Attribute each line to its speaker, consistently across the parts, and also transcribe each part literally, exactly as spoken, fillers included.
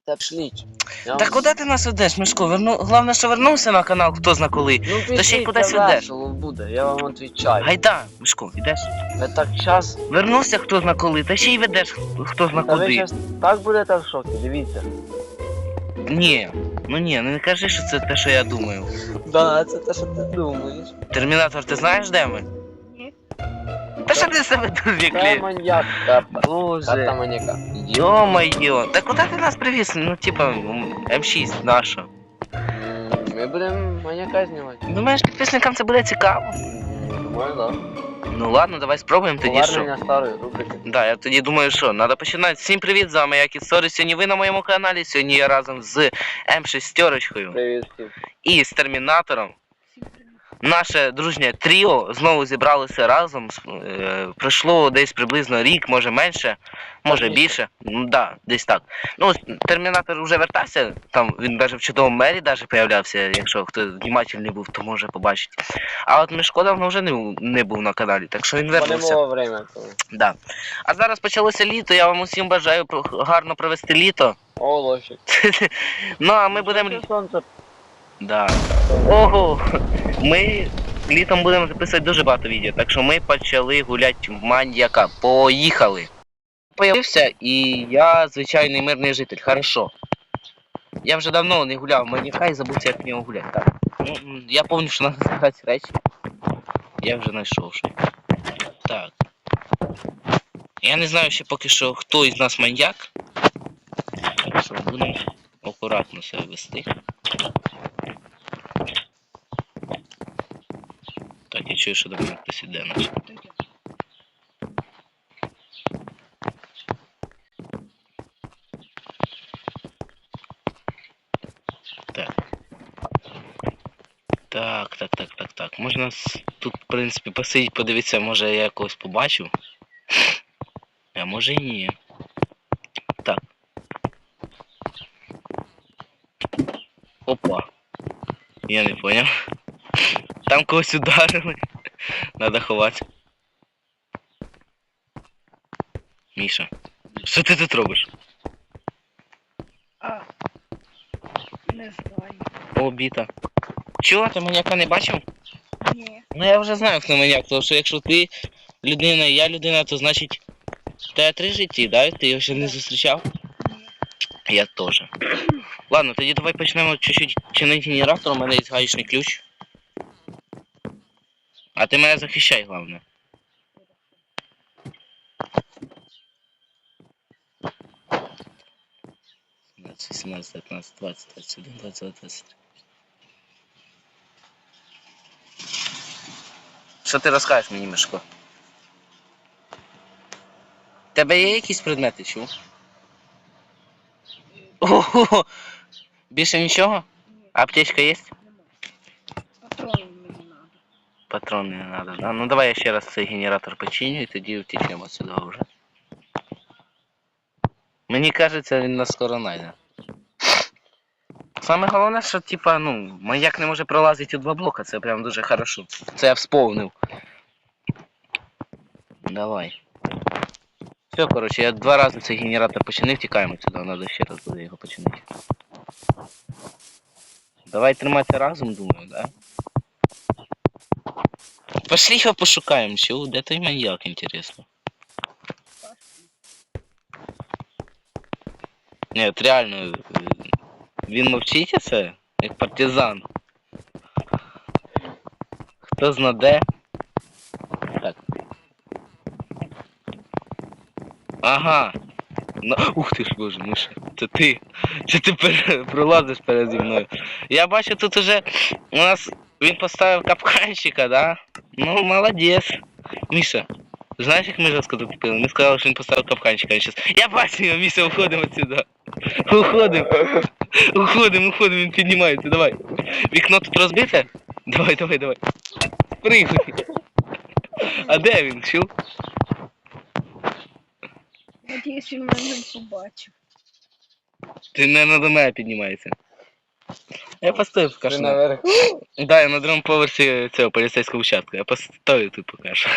Speaker 1: Та шліть.
Speaker 2: Та куди ти нас ведеш, Мишко? Верну... Головне, що вернувся на канал, хто зна коли.
Speaker 1: Ну
Speaker 2: Та ще й
Speaker 1: пішли,
Speaker 2: кудись
Speaker 1: це
Speaker 2: ведеш.
Speaker 1: весело буде, я вам відповідаю.
Speaker 2: Гайда, Мишко, йдеш.
Speaker 1: Ви так час...
Speaker 2: Вернувся хто зна коли, та ще й ведеш хто зна
Speaker 1: Та ви
Speaker 2: куди.
Speaker 1: щас так будете в шокі, дивіться.
Speaker 2: Ні, ну ні, ну не кажи, що це те, що я думаю.
Speaker 1: Да, це те, що ти думаєш.
Speaker 2: Термінатор, ти знаєш, де ми?
Speaker 3: Ні.
Speaker 2: Та що ти себе тут
Speaker 1: Це
Speaker 2: віклі?
Speaker 1: маньяк, Карта. Карта
Speaker 2: Боже.
Speaker 1: маньяка.
Speaker 2: Йо-моє, та куди ти нас привіз? Ну, типа, М шість наша.
Speaker 1: М, Ми будемо маньяка знімати.
Speaker 2: Думаєш, підписникам це буде цікаво?
Speaker 1: Думаю, да.
Speaker 2: Ну ладно, давай спробуємо тоді що.
Speaker 1: Повернення старої рубрики.
Speaker 2: Да, я тоді думаю, що треба починати. Всім привіт, з вами як і Сорі. Сьогодні ви на моєму каналі. Сьогодні я разом з М шість
Speaker 1: Привіт всім.
Speaker 2: і з Термінатором. Наше дружнє тріо знову зібралося разом. Е, пройшло десь приблизно рік, може менше, може
Speaker 1: більше.
Speaker 2: більше. Ну да, десь так. Ну, Термінатор вже вертався, там він навіть в чудовому мері даже появлявся, якщо хто внимательний був, то може побачити. А от Мишко давно вже не, не був на каналі, так що він
Speaker 1: Бо не
Speaker 2: вернувся.
Speaker 1: було время. коли.
Speaker 2: Да. А зараз почалося літо, я вам усім бажаю про- гарно провести літо.
Speaker 1: О, лошик.
Speaker 2: Ну а ми будемо.
Speaker 1: Сонце.
Speaker 2: Да. Ого! Ми літом будемо записувати дуже багато відео, так що ми почали гуляти в маньяка. Поїхали! Появився і я звичайний мирний житель, хорошо. Я вже давно не гуляв в маньяка і забувся, як в нього гуляти. Так. Ну, м, я пам'ятаю, що треба збирати речі. Я вже знайшов що. Так. Я не знаю ще поки що, хто із нас маньяк. Так що будемо акуратно себе вести. Так, я чую, що до мене хтось іде наш. Так. Так, так, так, так, так. Можна с- тут, в принципі, посидіти, подивитися, може я якогось побачу. А може і ні. Так. Опа. Я не поняв. Там когось ударили. Надо ховати. Міша. Що ти тут робиш?
Speaker 3: А. Не знаю.
Speaker 2: О, біта. Чого, ти маньяка не бачив?
Speaker 3: Ні.
Speaker 2: Ну я вже знаю, хто маньяк, тому що якщо ти людина і я людина, то значить в тебе три житті, да? Ти його ще не зустрічав?
Speaker 3: Ні.
Speaker 2: Я теж. Ладно, тоді давай почнемо чуть-чуть чинити генератор, у мене є гаечний ключ. А ти мене захищай, головне. сімнадцять, дев'ятнадцять, двадцять, двадцять один, двадцять два, двадцять три. Що ти розкажеш мені, Мишко? В тебе є якісь предмети, чув? Ого! Більше нічого? Аптечка є?
Speaker 3: Патрони мені треба.
Speaker 2: Патроны не надо, да? Ну давай я ще раз цей генератор починю і тоді втечемо сюди вже. Мені кажеться, він нас скоро найде. Саме головне, що типа, ну, маяк не може пролазити у два блока, це прям дуже хорошо. Це я всповнив. Давай. Все, коротше, я два рази цей генератор починив, тікаємо сюди, треба ще раз буде його починити. Давай триматися разом, думаю, да? Пошли його пошукаємо, чого? Де той маньяк, інтересно? Ні, от реально, він мовчить це, як партизан. Хто зна де? Так. Ага. Ну, ух ти ж боже, Миша, це ти. Це ти пер... пролазиш переді мною. Я бачу, тут уже у нас він поставив капканчика, да? Ну, молодець. Міша, знаєш, як ми жорстко тут купили? Ми сказали, що він поставив капканчика. Він щас... Я бачу його, Міша, уходимо отсюда. Уходимо. Уходимо, уходимо, він піднімається, давай. Вікно тут розбите? Давай, давай, давай. Пригай. А де він, чув?
Speaker 3: Надіюсь, він мене не побачив.
Speaker 2: Ти не до мене піднімається. Я постою поки
Speaker 1: Ти
Speaker 2: що.
Speaker 1: наверху?
Speaker 2: Да, я на другому поверсі цього поліцейського участка. Я постою тут поки що.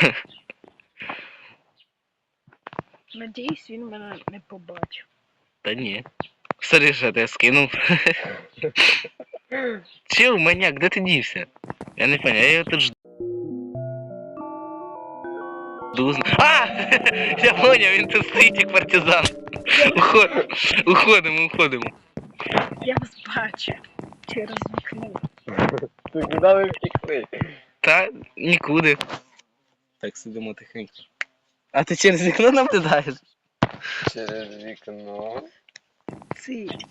Speaker 3: Надіюсь, він мене не побачив.
Speaker 2: Та ні. Смотри, що ти скинув. Чил, маньяк, де ти дівся? Я не понял, я його тут жду. А! Я понял, він тут стоїть як партизан. Уход... Уходимо, уходимо.
Speaker 3: Я вас бачу через вікно.
Speaker 1: Ти куди ви втекли?
Speaker 2: Та нікуди. Так, сидимо тихенько. А ти через вікно наблюдаєш?
Speaker 1: Через вікно.
Speaker 3: Цить.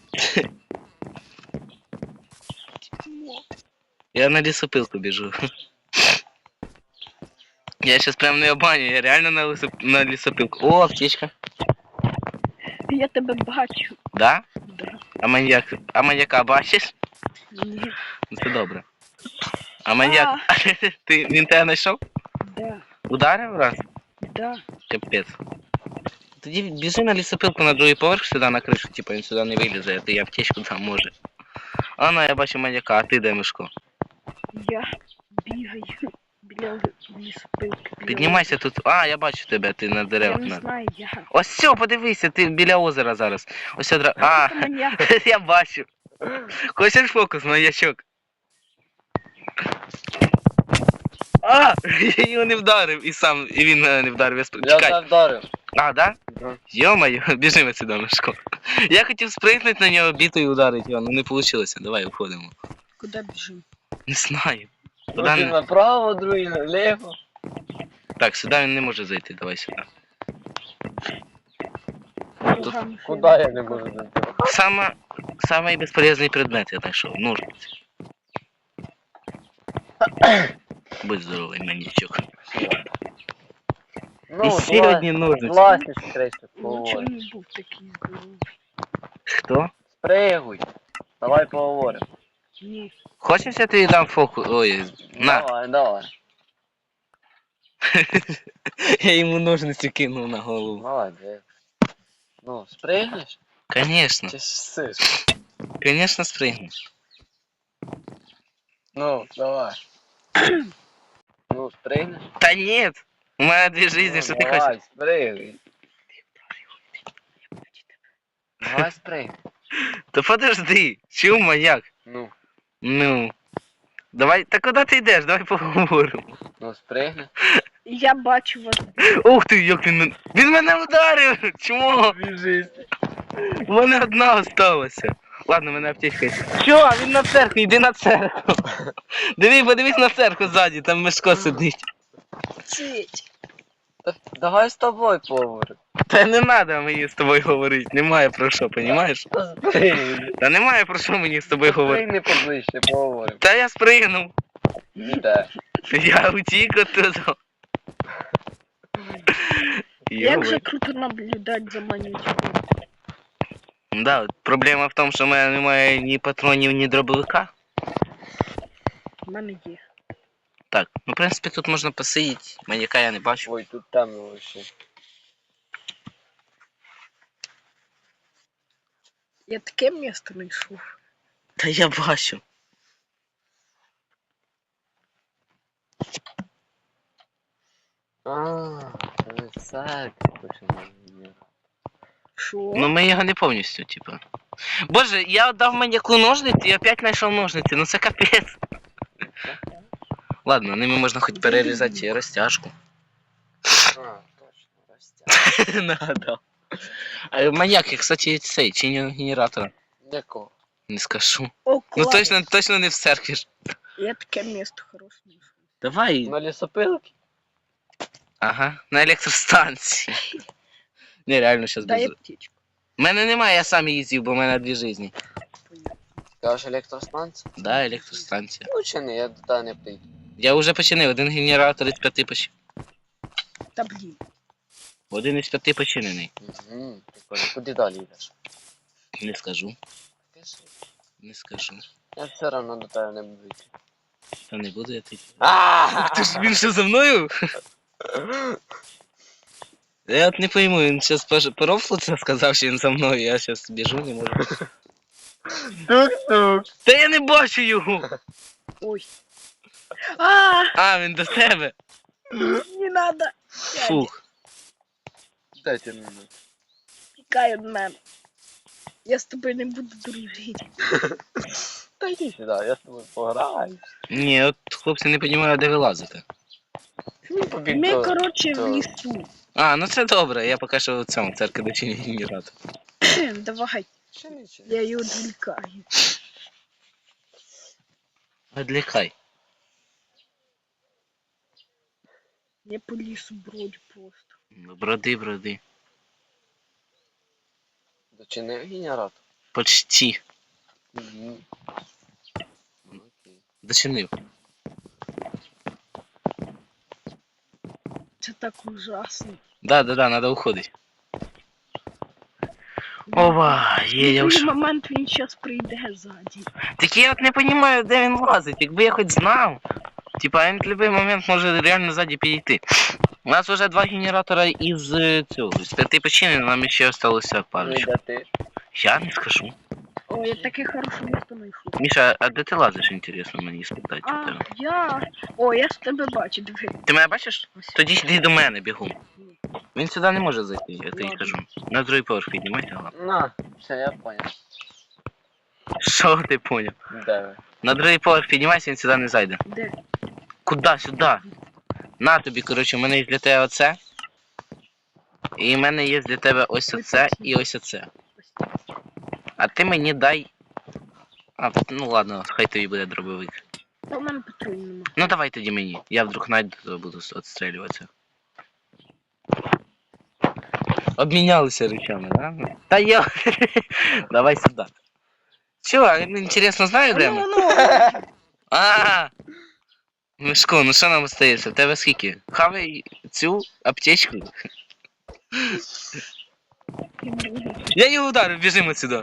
Speaker 2: Я на лісопилку біжу. Я щас прям не обманю, я реально на, лісоп... на лісопилку. О, аптечка.
Speaker 3: Я тебе бачу.
Speaker 2: Да?
Speaker 3: Да.
Speaker 2: А маньяк. А маньяка бачиш?
Speaker 3: Ні.
Speaker 2: Ну це добре. А маньяк. Ти він тебе знайшов?
Speaker 3: Да.
Speaker 2: Ударив раз?
Speaker 3: Да.
Speaker 2: Капець. Тоді біжи на лісопилку на другий поверх сюди на кришу, типу він сюди не вилізе, а ти аптечку там може. А ну я бачу маньяка, а ти де, Мишко?
Speaker 3: Я бігаю біля лісопилки. біля
Speaker 2: Піднімайся тут. А, я бачу тебе, ти на
Speaker 3: озера. Я
Speaker 2: деревах.
Speaker 3: не
Speaker 2: на-
Speaker 3: знаю, я.
Speaker 2: Ось все, подивися, ти біля озера зараз. Ось одра. А,
Speaker 3: Це маньяк.
Speaker 2: я бачу. Хочеш фокус, маньячок? А, я його не вдарив і сам, і він мене не вдарив. Я спр...
Speaker 1: Я
Speaker 2: Чекай.
Speaker 1: тебе вдарив.
Speaker 2: А, да?
Speaker 1: Да.
Speaker 2: Йо-моє, біжимо сюди, Мишко. Я хотів спригнути на нього, бітою ударити його, але не вийшло. Давай уходимо.
Speaker 3: Куди біжимо?
Speaker 2: Не знаю. Куди
Speaker 1: Один
Speaker 2: не...
Speaker 1: направо, другий наліво.
Speaker 2: Так, сюди він не може зайти, давай сюди.
Speaker 3: Кругами
Speaker 1: Куди я не можу зайти?
Speaker 2: Саме, самий безполезний предмет я знайшов. Ножниці. Будь здоровий, маньячок. І
Speaker 1: Ну,
Speaker 2: ще одні ножниці.
Speaker 1: власніше краще
Speaker 3: Ну,
Speaker 1: поговоримо.
Speaker 3: чому не був такий здоровий?
Speaker 2: Хто?
Speaker 1: Спригуй. Давай поговоримо.
Speaker 3: Ні.
Speaker 2: Хочеш, я тобі дам фокус? Ой, на.
Speaker 1: Давай, давай.
Speaker 2: Я йому ножниці кинув на голову.
Speaker 1: Молодець. Ну, спригнеш?
Speaker 2: Конечно,
Speaker 1: Чи сиш?
Speaker 2: конечно спригну.
Speaker 1: Ну, давай. Ну, спригнеш?
Speaker 2: Та ні, у мене дві жизни, що
Speaker 1: Ну,
Speaker 2: ти хочеш?
Speaker 1: Давай, спригуй. Давай спригуй.
Speaker 2: Та подожди, чому маньяк?
Speaker 1: Ну,
Speaker 2: Ну. Давай, та куди ти йдеш? Давай поговоримо.
Speaker 1: ну спригни.
Speaker 3: Я бачу вас.
Speaker 2: Ух ти, як він мен- Він мене вдарив! Чому?
Speaker 1: Біжись.
Speaker 2: У мене одна осталася. Ладно, в мене аптечка є. Що? Він на церкву, йди на церкву. Диви, подивись на церкву ззаді, там Мишко сидить.
Speaker 3: Цить.
Speaker 1: Давай з тобою поговоримо.
Speaker 2: Та не треба мені з тобою говорити, немає про що, понімаєш?
Speaker 1: Спригни.
Speaker 2: Та немає про що мені з тобою говорити.
Speaker 1: Спригни поближче, поговоримо.
Speaker 2: Та я спригнув.
Speaker 1: Іде.
Speaker 2: Я утік оттуда.
Speaker 3: Як
Speaker 2: Йо,
Speaker 3: же круто наблюдати за маньячком.
Speaker 2: да, от проблема в тому, що в мене немає ні патронів, ні дробовика.
Speaker 3: У мене є.
Speaker 2: Так, ну в принципі тут можна посидіти, маньяка я не бачу.
Speaker 1: Ой, тут темно вообще.
Speaker 3: Я таке місто знайшов.
Speaker 2: Та я бачу.
Speaker 1: А, це церква починає.
Speaker 3: Що?
Speaker 2: Ну ми його не повністю, типу. Боже, я отдав маньяку ножниці і опять знайшов ножниці, ну це капець. Ладно, ними можна хоч перерізати розтяжку.
Speaker 1: А, точно, ростя.
Speaker 2: Нагадав. А маньяк, кстати, цей, чи не генератора?
Speaker 1: Якого?
Speaker 2: Не скажу.
Speaker 3: О,
Speaker 2: Ну
Speaker 3: клас.
Speaker 2: точно, точно не в церкві ж.
Speaker 3: Я таке місто хороше знайшов.
Speaker 2: Давай.
Speaker 1: На лісопилки?
Speaker 2: Ага, на електростанції. Не, реально щас
Speaker 3: Дай
Speaker 2: без...
Speaker 3: аптечку.
Speaker 2: У мене немає, я сам їздив, бо в мене дві жизні.
Speaker 3: Понятно.
Speaker 1: Кажеш електростанція?
Speaker 2: Да, електростанція.
Speaker 1: Ну чи не, я туди не прийду.
Speaker 2: Я вже починив, один генератор із п'яти поч...
Speaker 3: Та блін.
Speaker 2: Один із п'яти починений.
Speaker 1: Угу. Прикольно. Куди далі йдеш?
Speaker 2: Не скажу,
Speaker 1: Кажи.
Speaker 2: не скажу.
Speaker 1: Я все одно до тебе не буду йти.
Speaker 2: Та не буду я ти.
Speaker 1: Ааа!
Speaker 2: Ти ж він ще за мною? Я от не пойму, він зараз по рофлу це сказав, що він за мною, я зараз біжу, не можу.
Speaker 1: Тук-тук!
Speaker 2: Та я не бачу його!
Speaker 3: Ой. А,
Speaker 2: А, він до тебе.
Speaker 3: не надо.
Speaker 2: Фух.
Speaker 1: Дайте мені.
Speaker 3: Тікай від мене. Я з тобою не буду дружити.
Speaker 1: Та йди сюди, я з тобою пограю.
Speaker 2: Ні, от хлопці не розумію, де ви лазите.
Speaker 1: Побіг
Speaker 3: Ми,
Speaker 1: до-
Speaker 3: коротше, в
Speaker 1: до-
Speaker 3: лісу.
Speaker 2: А, ну це добре, я поки що в цьому церкві дочині генератор.
Speaker 3: Давай,
Speaker 1: Ще нічого.
Speaker 3: я її відвлікаю.
Speaker 2: Відлікай.
Speaker 3: Я по лісу бродю просто.
Speaker 2: Броди, броди.
Speaker 1: Дочини генератор.
Speaker 2: Почти.
Speaker 1: Угу. Окей.
Speaker 2: Дочинив.
Speaker 3: Це так ужасно.
Speaker 2: Да, да, да, надо уходить. Ова, є, я
Speaker 3: В
Speaker 2: вже.
Speaker 3: який момент він зараз прийде ззаді.
Speaker 2: Так я от не розумію, де він лазить. Якби я хоч знав. Типа він в будь-який момент може реально ззаді підійти. У нас вже два генератора із е, цього, з п'яти починено, нам ще залишилося
Speaker 1: Ну і
Speaker 2: парочку.
Speaker 1: де ти?
Speaker 2: Я не скажу.
Speaker 3: О, я таке хороше місто знайшов.
Speaker 2: Міша, а де ти лазиш, інтересно мені спитати у
Speaker 3: А,
Speaker 2: тебе.
Speaker 3: я... О, я з тебе бачу, диви.
Speaker 2: Ти мене бачиш?
Speaker 3: Ось.
Speaker 2: Тоді йди до мене бігом.
Speaker 3: Ні.
Speaker 2: Він сюди не може зайти, я тобі
Speaker 3: Ладно.
Speaker 2: кажу. На другий поверх піднімайся, ладно.
Speaker 1: На, все, я понял.
Speaker 2: Що ти поняв?
Speaker 1: Де ви?
Speaker 2: На другий поверх піднімайся, він сюди не зайде.
Speaker 3: Де?
Speaker 2: Куда? Сюди. На тобі, коротше, у мене є для тебе оце. І в мене є для тебе ось оце і ось оце. А ти мені дай. А, ну ладно, хай тобі буде дробовик.
Speaker 3: Та в мене патруль нема.
Speaker 2: Ну давай тоді мені. Я вдруг найду, то буду відстрілюватися. Обмінялися речами, да? Та я. Давай сюди. Чого, інтересно, знаю, де ми?
Speaker 3: Ну, ну,
Speaker 2: А. Мишко, ну що нам остається? В тебе скільки? Хавай цю аптечку. Я його ударив, біжимо сюди.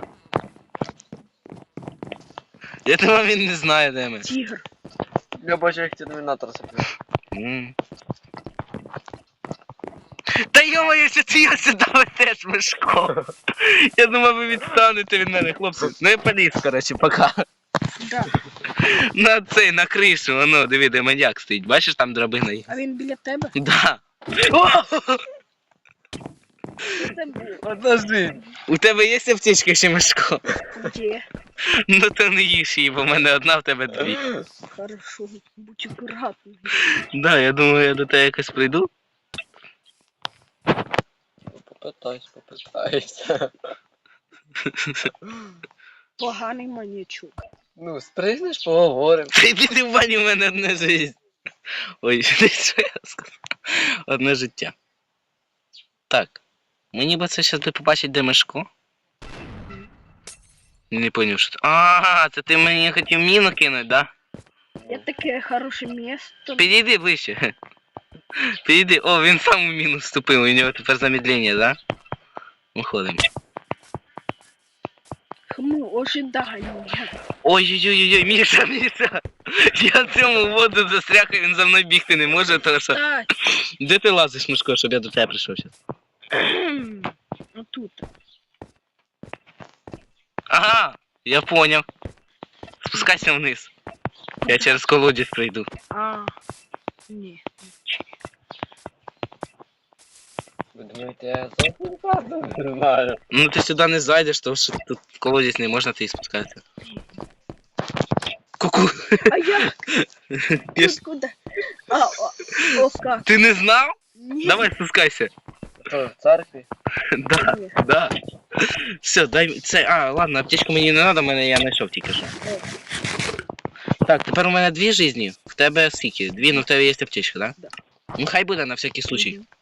Speaker 2: Я думав, він не знає, де ми.
Speaker 3: тігр.
Speaker 1: Я бачу, як термінатор сапив.
Speaker 2: М. Та йо-моє, що ти його сюди везеш, Мишко? Я думав, ви відстанете від мене, хлопці. Ну я поліз, коротше, пока.
Speaker 3: Да.
Speaker 2: На цей, на кришу, воно, диви, де маньяк стоїть. Бачиш, там драбина є.
Speaker 3: А він біля тебе?
Speaker 2: Да. О!
Speaker 3: Що це було?
Speaker 1: Подожди.
Speaker 2: У тебе є аптечка ще, Мишко?
Speaker 3: Де?
Speaker 2: Ну то не їж її, бо в мене одна, в тебе дві.
Speaker 3: Хорошо, будь акуратний.
Speaker 2: Да, я думаю, я до тебе якось прийду.
Speaker 1: Попитайся, попитайся.
Speaker 3: Поганий маньячок.
Speaker 1: Ну, спригнеш, поговоримо.
Speaker 2: Ти піди в бані, в мене одне життя. Ой, що я сказав? Одне життя. Так. Мені би це зараз побачить, де Мишко. Не поняв, що. А, це ти мені хотів міну кинути, да?
Speaker 3: Я таке хороше місто.
Speaker 2: Підійди ближче. Підійди. О, він сам у міну вступив, у нього тепер замедлення, да? Виходимо.
Speaker 3: Хму, ожидання.
Speaker 2: Ой-ой-ой-ой, Міша, Міша! Я в цьому воду застряг, і він за мною бігти не може, тому що...
Speaker 3: Так.
Speaker 2: Де ти лазиш, Мишко, щоб я до тебе прийшов зараз?
Speaker 3: Отут.
Speaker 2: Ага, я поняв. Спускайся вниз. Я через колодязь пройду.
Speaker 3: А. Ні.
Speaker 1: Ви думаєте, я зовсім правду не знаю.
Speaker 2: Ну ти сюди не зайдеш, тому що тут колодязь не можна ти спускатися. Ку-ку.
Speaker 3: А я
Speaker 2: Я ж-
Speaker 3: тут куди? А, о, о, как?
Speaker 2: Ти не знав?
Speaker 3: Ні.
Speaker 2: Давай спускайся.
Speaker 1: Що, в церкві?
Speaker 2: Да,
Speaker 3: Ні.
Speaker 2: да. Все, дай це. А, ладно, аптечку мені не треба, мене я знайшов тільки що. Так, тепер у мене дві жизні. В тебе скільки? Дві, ну в тебе є аптечка, да?
Speaker 3: Да.
Speaker 2: Ну хай буде на всякий случай.
Speaker 3: Мгм.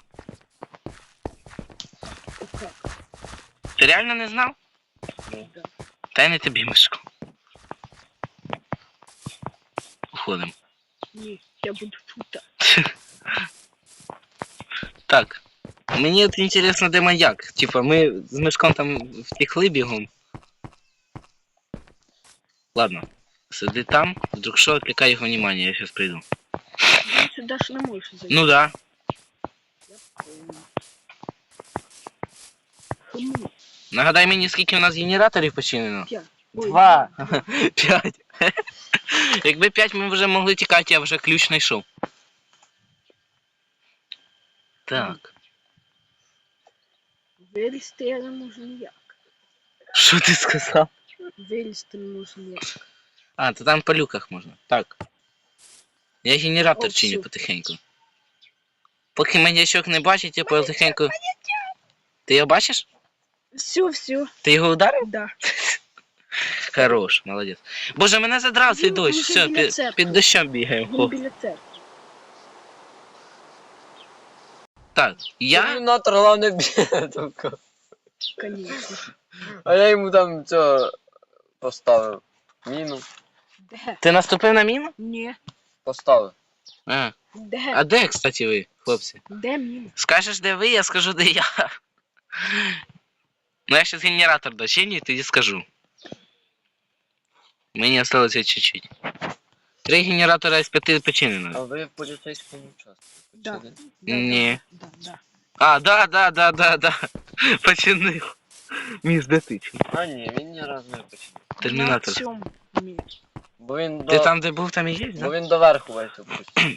Speaker 3: О, как?
Speaker 2: Ти реально не знав?
Speaker 3: Да.
Speaker 2: Та й не тобі, Мишко. Уходимо.
Speaker 3: Ні, я буду тут.
Speaker 2: Так. Мені от інтересно, де маяк. Типа, ми з Мишком там втекли бігом. Ладно. Сиди там, вдруг що, отвлекай його внимание, я сейчас прийду.
Speaker 3: Він сюди ж не може зайти.
Speaker 2: Ну да.
Speaker 3: Я понял. Хму.
Speaker 2: Нагадай мені, скільки у нас генераторів починено.
Speaker 3: П'ять. Ой,
Speaker 2: Два. П'ять. Якби п'ять ми вже могли тікати, я вже ключ знайшов. Так.
Speaker 3: Вилізти я не можу ніяк.
Speaker 2: Що ти сказав?
Speaker 3: Вилізти можна.
Speaker 2: А, то там по люках можна. Так. Я генератор
Speaker 3: О,
Speaker 2: чиню
Speaker 3: всю.
Speaker 2: потихеньку. Поки маньячок не бачить, я потихеньку. Ти його бачиш?
Speaker 3: Всю, всю.
Speaker 2: Ти його ударив?
Speaker 3: Да.
Speaker 2: Хорош, молодець. Боже, мене задрав цей
Speaker 3: Він
Speaker 2: дощ.
Speaker 3: уже
Speaker 2: Все,
Speaker 3: біля
Speaker 2: під,
Speaker 3: церкви.
Speaker 2: під дощом бігаємо.
Speaker 3: Він
Speaker 2: Хоп.
Speaker 3: біля церкви.
Speaker 2: Так, я.
Speaker 1: Термінатор, головне, б'є, тільки.
Speaker 3: Конечно.
Speaker 1: А я йому там цього поставив. Міну
Speaker 3: Де?
Speaker 2: Ти наступив на міну?
Speaker 3: Ні.
Speaker 1: поставив.
Speaker 2: А.
Speaker 3: Де?
Speaker 2: А де, кстати, ви, хлопці?
Speaker 3: Де міна?
Speaker 2: Скажеш, де ви, я скажу, де я. Ну я щас генератор дочиню і тоді скажу. Мені осталося чуть-чуть. Три генератора з п'яти
Speaker 1: А
Speaker 2: починено.
Speaker 1: ви в поліцейському участку?
Speaker 3: Да.
Speaker 1: Почали?
Speaker 3: Да,
Speaker 2: Ні.
Speaker 3: Да, да.
Speaker 2: А, да, да, да, да, да. Починив. Між де ти?
Speaker 1: А ні, він ні разу не починив.
Speaker 2: Термінатор.
Speaker 3: На цьому мі.
Speaker 1: Бо він
Speaker 2: Ти
Speaker 1: до...
Speaker 2: там, де був, там і є,
Speaker 1: Бо
Speaker 2: да?
Speaker 1: він доверху весь опустив.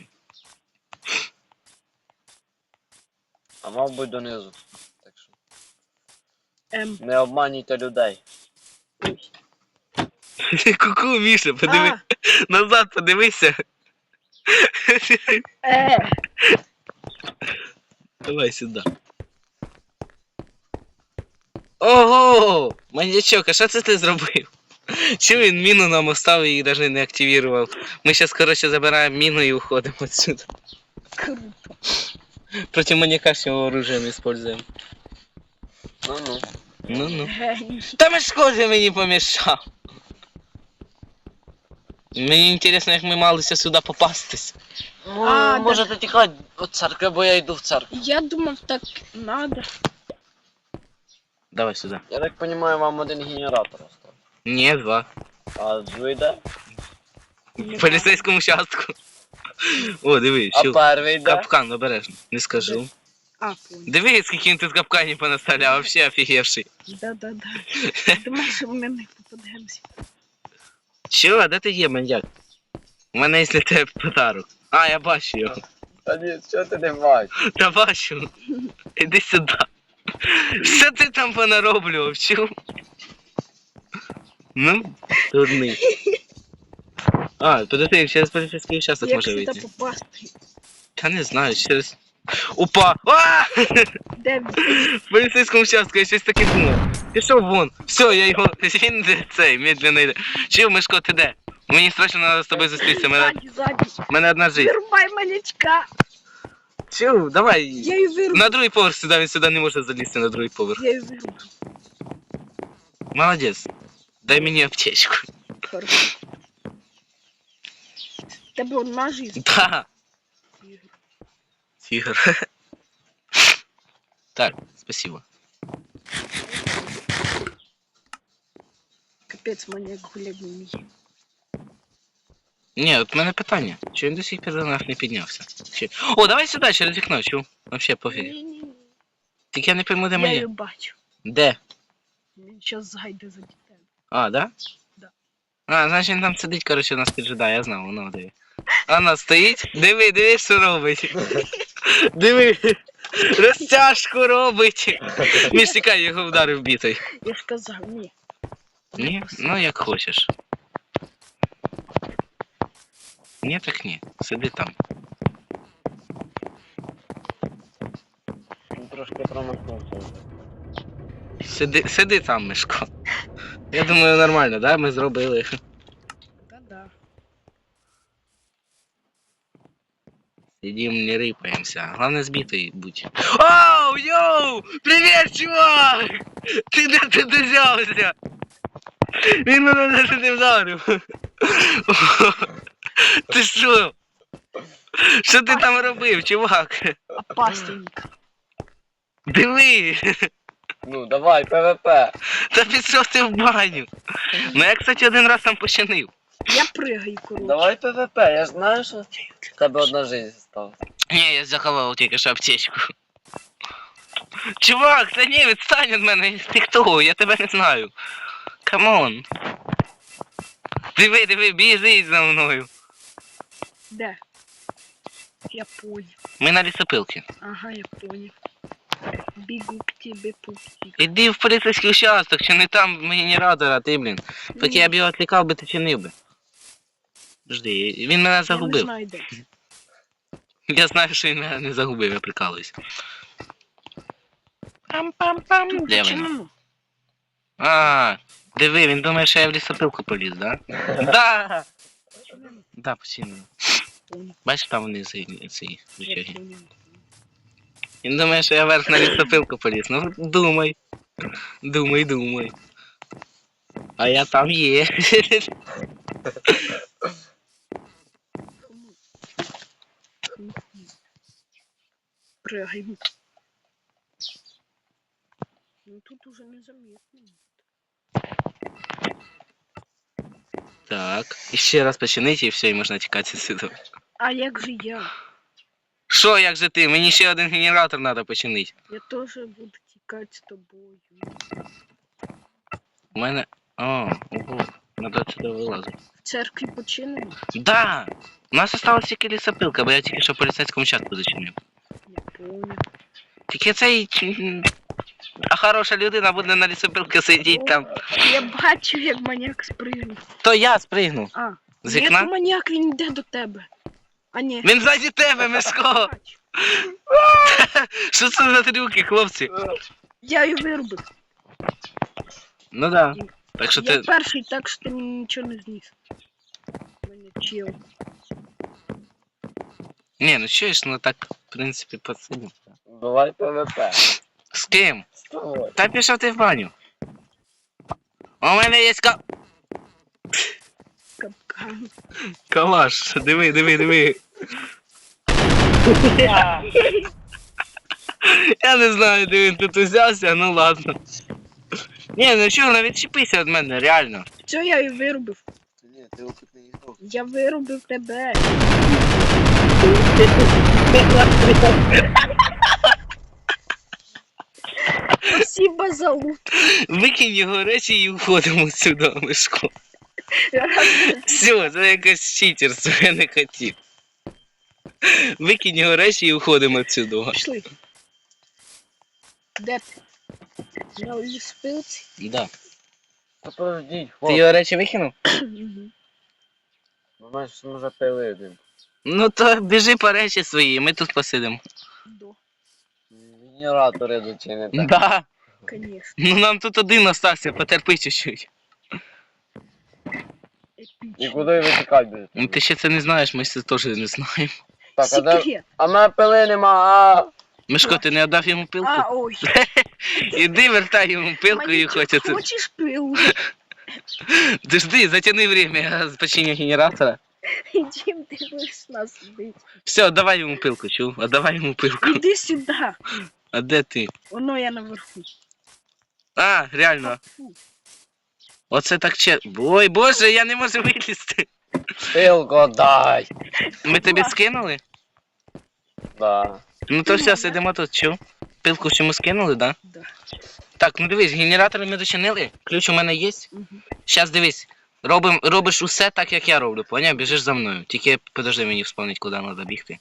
Speaker 1: А мав би донизу. Так що
Speaker 3: Ем.
Speaker 1: не обманюйте людей.
Speaker 2: Ку-ку, Міша, подиви.
Speaker 3: А,
Speaker 2: Назад подивися.
Speaker 3: е.
Speaker 2: Давай сюди. Ого! Маньячок, а що це ти зробив? Чому він міну нам оставив і навіть не активував? Ми зараз, коротше, забираємо міну і уходимо отсюда.
Speaker 3: Круто.
Speaker 2: Проти маньяка ж його оружием используємо.
Speaker 1: Ну-ну.
Speaker 2: Ну-ну.
Speaker 3: Геній.
Speaker 2: Та ми ж схоже мені помішав. Мені інтересно, як ми малися сюди попастись.
Speaker 1: Ну,
Speaker 3: А,
Speaker 1: можете тікати від церкви, бо я йду в церкву.
Speaker 3: Я думав, так надо.
Speaker 2: Давай сюди.
Speaker 1: Я так розумію, вам один генератор остав.
Speaker 2: Ні, два.
Speaker 1: А другий де?
Speaker 2: В поліцейському участку. О, диви,
Speaker 1: А
Speaker 2: що.
Speaker 1: перший де?
Speaker 2: Капкан, обережно. Не скажу.
Speaker 3: А, понял.
Speaker 2: Диви, скільки він тут капканів понаставляв, вообще офігевший.
Speaker 3: Да-да-да. Думаю, що ми не попадемося.
Speaker 2: Що, а де ти є, маньяк? У мене є для тебе подарок. А, я бачу його.
Speaker 1: Та ні, що ти не бачиш?
Speaker 2: Та бачу. Іди сюди. Що ти там понароблював, чув? Ну, дурний. А, подожди, через поліцейський участок
Speaker 3: Як
Speaker 2: може
Speaker 3: сюди
Speaker 2: вийти.
Speaker 3: попасти?
Speaker 2: Та не знаю, через... Упа! А!
Speaker 3: Де він?
Speaker 2: В поліцейському участку я щось таке думав. Пішов вон. Все, я його... Він де цей, медленно йде. Чув, Мишко, ти де? Мені страшно треба з тобою зустрітися. Мене,
Speaker 3: Ззаді, ззаді.
Speaker 2: мене одна жизнь.
Speaker 3: Вирубай малячка.
Speaker 2: Чув, давай.
Speaker 3: Я її вирубаю.
Speaker 2: На другий поверх сюди, він сюди не може залізти на другий поверх.
Speaker 3: Я її вирубаю.
Speaker 2: Молодець. Дай мені аптечку.
Speaker 3: Хорошо. Тебе одна жизнь.
Speaker 2: Да. Тигр. Так, спасибо.
Speaker 3: Капець, маньяк гулять не вміє.
Speaker 2: Ні, от в мене питання. Чи він до сих пір до нас не піднявся? Чи... О, давай сюди, через вікно, чув? Вообще пофіг.
Speaker 3: Ні-ні-ні.
Speaker 2: Тільки я не пойму, де
Speaker 3: Я
Speaker 2: моє.
Speaker 3: її бачу.
Speaker 2: Де?
Speaker 3: Він щас зайде за дітей.
Speaker 2: А, да?
Speaker 3: Да.
Speaker 2: А, значить він там сидить, коротше, нас піджидає, я знав, воно диви. Вона стоїть, диви, диви, що робить. Диви, розтяжку робить. Між тікай, його вдарив бітою.
Speaker 3: Я ж казав, ні.
Speaker 2: Ні? Ну як хочеш. Ні, так ні. Сиди там.
Speaker 1: Він трошки промахнувся вже.
Speaker 2: Сиди, сиди там, Мишко. Я думаю, нормально, да? Ми зробили.
Speaker 3: Та-да.
Speaker 2: Сидим, не рыпаемся. Главное, сбитый будь. Оу, йоу! Привет, чувак! Ти де ти дозявся? Він мене навіть не вдарив. Ти що? Що ти там робив, чувак?
Speaker 3: Опасненько.
Speaker 2: Диви!
Speaker 1: Ну, давай, ПВП.
Speaker 2: Та пішов ти в баню. Ну я, кстати, один раз там починив.
Speaker 3: Я пригаю, коротше.
Speaker 1: Давай ПВП, я ж знаю, що в тебе одна жизнь стала.
Speaker 2: Ні, я заховав тільки що аптечку. Чувак, та ні, відстань від мене, ти хто? Я тебе не знаю. Камон. Диви, диви, біжи за мною.
Speaker 3: Де? Я поняв.
Speaker 2: Ми на лісопилці.
Speaker 3: Ага, я поняв. Бігу к тебе пупсик.
Speaker 2: Іди в поліцейський участок, чи не там генератора, ти, блін. Поки я б його відлікав би, ти чинив би. Жди, він мене
Speaker 3: Я не
Speaker 2: загубив.
Speaker 3: знаю, де.
Speaker 2: Я знаю, що він мене не загубив, я прикалуюсь. Пам-пам-пам.
Speaker 3: Тут
Speaker 2: Де він?
Speaker 3: починено.
Speaker 2: А, диви, він думає, що я в лісопилку поліз, да? Да! Да, починено. Бачиш, там вони ці, ці рычаги. Він думає, що я вверх на лісопилку поліз. Ну, думай. Думай, думай. А я там є.
Speaker 3: Прыгаем. Ну тут уже незаметно.
Speaker 2: Так, і ще раз починити, і все, і можна тікати сюди.
Speaker 3: А як же я?
Speaker 2: Що, як же ти? Мені ще один генератор треба починити.
Speaker 3: Я теж буду тікати з тобою.
Speaker 2: У мене... О, ого, треба сюди вилазити.
Speaker 3: В церкві починено?
Speaker 2: Да! У нас осталась тільки лісопилка, бо я тільки що в поліцейському участку зачинив.
Speaker 3: Не помню.
Speaker 2: Тільки цей... м, А хороша людина буде на лісопилці сидіти там.
Speaker 3: Я бачу, як маніяк спригнув.
Speaker 2: То я спригну.
Speaker 3: А,
Speaker 2: З
Speaker 3: ні,
Speaker 2: вікна?
Speaker 3: то маніяк, він йде до тебе. А ні.
Speaker 2: Він ззаді тебе, Мишко!
Speaker 3: Бачу.
Speaker 2: Що це за трюки, хлопці?
Speaker 3: Я її вирубив.
Speaker 2: Ну да. Так що
Speaker 3: Я
Speaker 2: ти...
Speaker 3: перший, так що ти нічого не зніс. Мене чил.
Speaker 2: Ні, ну чуєш, ну так, в принципі, посидимо.
Speaker 1: Давай ПВП.
Speaker 2: З ким?
Speaker 1: З тобою.
Speaker 2: Та пішов ти в баню. У мене є ка...
Speaker 3: Капкан.
Speaker 2: Калаш, диви, диви, диви. Я не знаю, де він тут узявся, ну ладно. Ні, ну чого, ну відчепися від мене, реально.
Speaker 3: Все, я її вирубив.
Speaker 1: Ні, ти опитний ігрок.
Speaker 3: Я вирубив тебе. Спасибо за лут.
Speaker 2: Викинь його речі і уходимо сюди, Мишко. Все, це якось читерство, я не хотів. Викинь його речі і уходимо отсюди.
Speaker 3: Пішли. Де ти? На ліспилці?
Speaker 2: Да.
Speaker 1: Та подождіть,
Speaker 2: Ти
Speaker 1: хлоп.
Speaker 2: його речі викинув?
Speaker 1: Ну, знаєш, може пили один.
Speaker 2: Ну то біжи по речі свої, ми тут посидимо.
Speaker 3: До,
Speaker 1: Генератори зачинити.
Speaker 2: Да.
Speaker 3: конечно.
Speaker 2: Ну нам тут один остався, потерпи чуть-чуть.
Speaker 1: І
Speaker 3: Епічно.
Speaker 1: куди ви тікати будете?
Speaker 2: Ну ти ще це не знаєш, ми це теж не знаємо.
Speaker 1: Так, а де...
Speaker 3: Секрет.
Speaker 1: А в мене пили нема, а...
Speaker 2: Мишко, ти не віддав йому пилку?
Speaker 3: А, ой.
Speaker 2: Іди вертай йому пилку і
Speaker 3: Манічок,
Speaker 2: хочеться.
Speaker 3: Хочеш пилу?
Speaker 2: Ти жди, затяни время, я починю генератора.
Speaker 3: Ідім, ти будеш нас бити.
Speaker 2: Все, давай йому пилку, чув? А давай йому пилку.
Speaker 3: Іди сюди.
Speaker 2: А де ти?
Speaker 3: Воно я наверху.
Speaker 2: А, реально.
Speaker 3: Фу.
Speaker 2: Оце так че. Ой, боже, я не можу вилізти.
Speaker 1: Пилку дай.
Speaker 2: Ми тобі
Speaker 3: Ладно.
Speaker 2: скинули?
Speaker 1: Да.
Speaker 2: Ну то все, сидимо тут, чув? Пилку ж йому скинули, да?
Speaker 3: Да.
Speaker 2: Так, ну дивись, генератори ми дочинили. Ключ у мене є.
Speaker 3: Угу.
Speaker 2: Щас дивись. Робим, робиш усе так, як я роблю, поняв? Біжиш за мною. Тільки подожди мені вспомнить, куди треба бігти.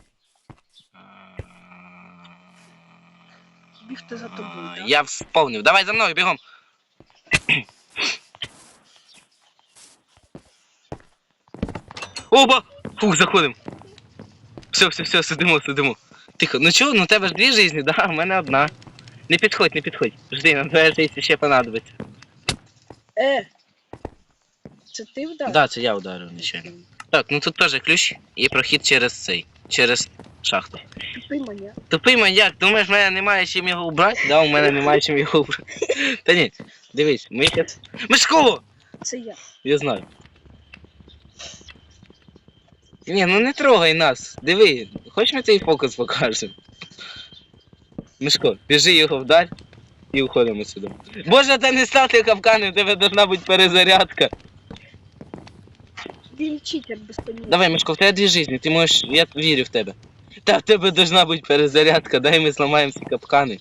Speaker 3: Бігти за тобою, так?
Speaker 2: Я вспомнив. Давай за мною, бігом. Оба! Фух, заходимо. Все, все, все, сидимо, сидимо. Тихо, ну чого, ну у тебе ж дві житті, да, у мене одна. Не підходь, не підходь. Жди, на твоя життя ще понадобиться.
Speaker 3: Е. Це ти вдав?
Speaker 2: Да, це я ударив, нічого. Так, ну тут теж ключ і прохід через цей, через шахту.
Speaker 3: Тупий маня.
Speaker 2: Тупий маньяк, думаєш, в мене немає чим його убрати? Да, у мене немає чим його убрати. Та ні, дивись, ми щас... Мишко!
Speaker 3: Це я.
Speaker 2: Я знаю. Ні, ну не трогай нас. Диви, хоч ми цей фокус покажемо. Мишко, біжи його вдаль і уходимо сюди. Боже, та не ставте капкани, у тебе должна бути перезарядка.
Speaker 3: Він читер без поняття.
Speaker 2: Давай, Мишко, в тебе дві житті, ти можеш, я вірю в тебе. Та в тебе должна бути перезарядка, дай ми зламаємо ці капкани.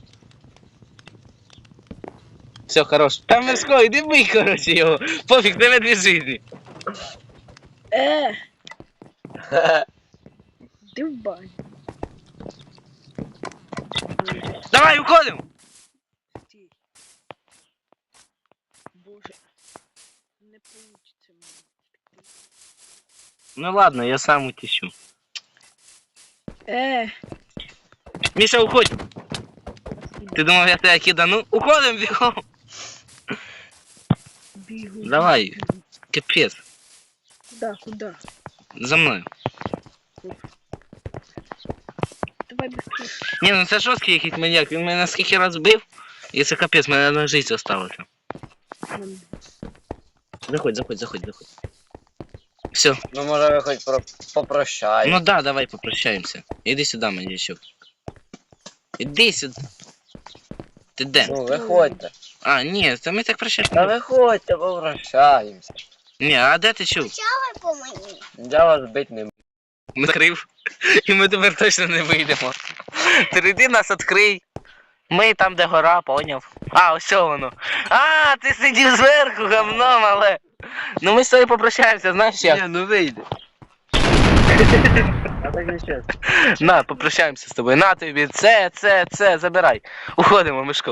Speaker 2: Все, хорош. Та Мишко, іди бий, коротше, його. Пофіг, в тебе дві житті.
Speaker 3: Е. Ти в баню.
Speaker 2: Давай, уходимо!
Speaker 3: Стій. Боже. Не получиться мені.
Speaker 2: Ну ладно, я сам утечу.
Speaker 3: Е,
Speaker 2: Міша, уходь! Ти думав, я тебе кидану? Уходим бігом!
Speaker 3: бігу.
Speaker 2: Давай.
Speaker 3: бігу.
Speaker 2: Капець,
Speaker 3: Куда, куда?
Speaker 2: за мною.
Speaker 3: Давай быстрее.
Speaker 2: Ні, ну це жорсткий якийсь маньяк, він мене скільки раз бив, і це капець, мене одна життя осталося. Заходь, заходь, заходь, заходь. Все,
Speaker 1: Ну може ви хоч про... попрощай.
Speaker 2: ну да, давай попрощаємося. Іди сюди, маньячок. Іди сюди. Ти де?
Speaker 1: Ну виходьте.
Speaker 2: А, ні, це ми так
Speaker 1: Та
Speaker 2: прощаємося.
Speaker 1: виходьте, попрощаємося.
Speaker 2: Ні, а де ти чув?
Speaker 4: по мені.
Speaker 1: Я вас бить не буду.
Speaker 2: Накрив. І ми тепер точно не вийдемо. Ти йди нас відкрий. Ми там, де гора, поняв. А, ось воно. А, ти сидів зверху, гамном, але. Ну ми з тобою попрощаємося, знаєш як?
Speaker 1: Ні, ну вийде. А так не чесно.
Speaker 2: На, попрощаємося з тобою. На тобі, це, це, це, забирай. Уходимо, Мишко.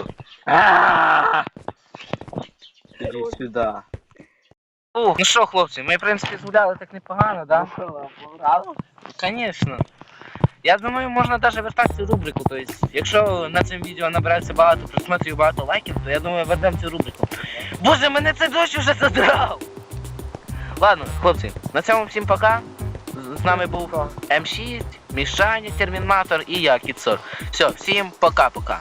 Speaker 1: Іди сюди.
Speaker 2: О, ну що, хлопці, ми, в принципі, згуляли так непогано, да? Звісно. Я думаю, можна навіть вертати цю рубрику. Тобто, якщо на цьому відео набирається багато просмотрів і багато лайків, то я думаю, вернемо цю рубрику. Боже, мене це дощ уже задрав! Ладно, хлопці, на цьому всім пока. З з нами був Ем шість, Мішаня, Термінатор і я, Кіцор. Все, всім пока-пока.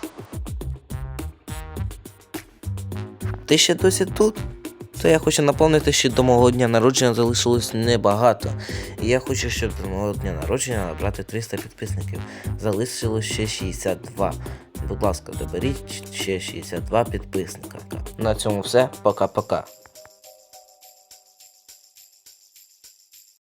Speaker 5: Ти ще досі тут? То я хочу напомнити, що до мого дня народження залишилось небагато. І я хочу, щоб до мого дня народження набрати триста підписників. Залишилось ще шістдесят два. Будь ласка, доберіть ще шістдесят два підписника. На цьому все. Пока-пока.